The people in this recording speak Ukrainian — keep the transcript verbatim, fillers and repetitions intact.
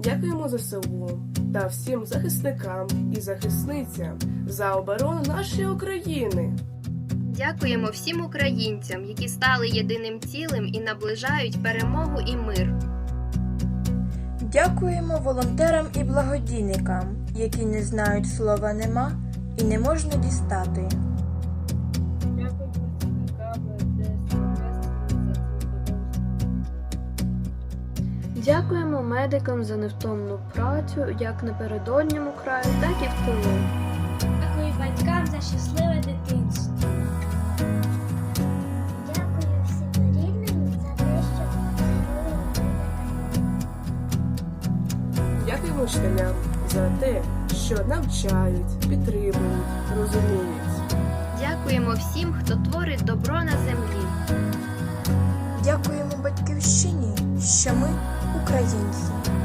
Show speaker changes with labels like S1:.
S1: Дякуємо ЗСУ та всім захисникам і захисницям за оборону нашої України.
S2: Дякуємо всім українцям, які стали єдиним цілим і наближають перемогу і мир.
S3: Дякуємо волонтерам і благодійникам, які не знають слова «нема» і не можна дістати.
S4: Дякую працівникам ДСНС за цю.
S5: Дякуємо медикам за невтомну працю як на передодньому краю, так і в тилу.
S6: Дякую батькам за щасливе дитинство. Дякую всім рідним за те, що подарували мене.
S1: Дякуємо вчителям за те, що навчають, підтримують, розуміють.
S2: Дякуємо всім, хто творить добро на землі.
S3: Дякуємо батьківщині, що ми українці.